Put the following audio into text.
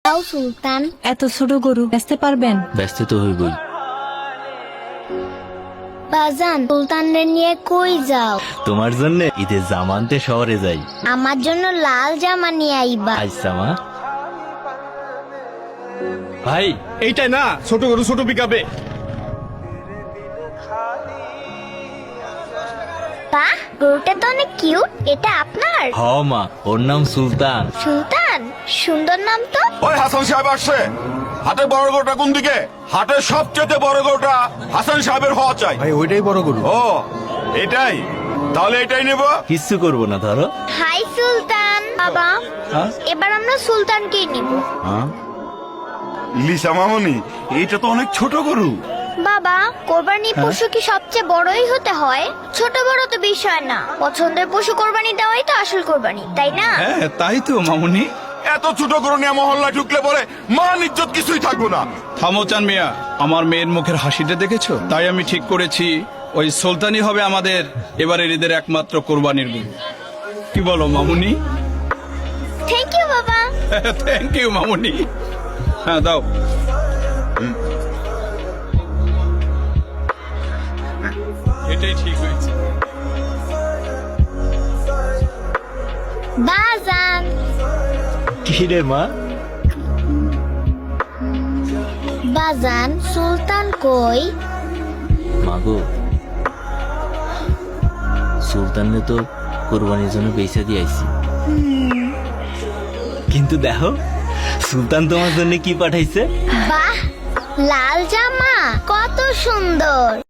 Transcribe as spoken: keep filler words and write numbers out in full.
দাও সুলতান। এত ছোট গরু বেচতে পারবেন? ব্যস্ত তো হইবই। বাজান, সুলতানরে নিয়ে কই যাও? তোমার জন্য ঈদের জামানতে শহরে যাই। আমার জন্য লাল জামা নিয়ে আইবা। আচ্ছা মা। ভাই এইটাই না ছোট গরু ছোট পিকাবে। বাহ, গরুটা তো অনেক কিউট। এটা আপনার? হ মা, ওর নাম সুলতান। সুলতান, সুন্দর নাম তো। ওই হাসান সাহেব আসছে। হাটের বড় গরুটা কোন দিকে? হাটের সবচেয়ে বড় গরুটা হাসান সাহেবের হওয়া চাই। ভাই ওইটাই বড় গরু। ও এটাই, তাহলে এটাই নেব। কিচ্ছু করবো না, ধরো। হাই সুলতান। বাবা, হ্যাঁ? এবার আমরা সুলতানকেই নিব। লিসা মামনি, এটা তো অনেক ছোট গরু। বাবা, কোরবানির পশু কি সবচেয়ে বড়ই হতে হয়? ছোট বড় তো বিষয় না, পছন্দের পশু কোরবানি দেওয়াই তো আসল কোরবানি, তাই না? হ্যাঁ তাই তো মামুনি। এত ছোট গরু নিয়ে মহল্লা ঢুকলে পরে মান ইজ্জত কিছুই থাকবো না। থামো চান মিয়া, আমার মেয়ের মুখের হাসিটা দেখেছো? তাই আমি ঠিক করেছি ওই সুলতানই হবে আমাদের এবারের ঈদের একমাত্র কোরবানির গরু। কি বলো মামুনি? থ্যাংক ইউ বাবা। থ্যাংক ইউ মামুনি। হ্যাঁ দাও। এটাই ঠিক হয়েছে। বাজান, কি রে মা? বাজান, সুলতান কই? মাগো, সুলতানরে তো কোরবানির জন্য বেচা দিয়ে আইছি। কিন্তু দেখো সুলতান তোমার জন্য কি পাঠাইছে। বাহ, লাল জামা কত সুন্দর।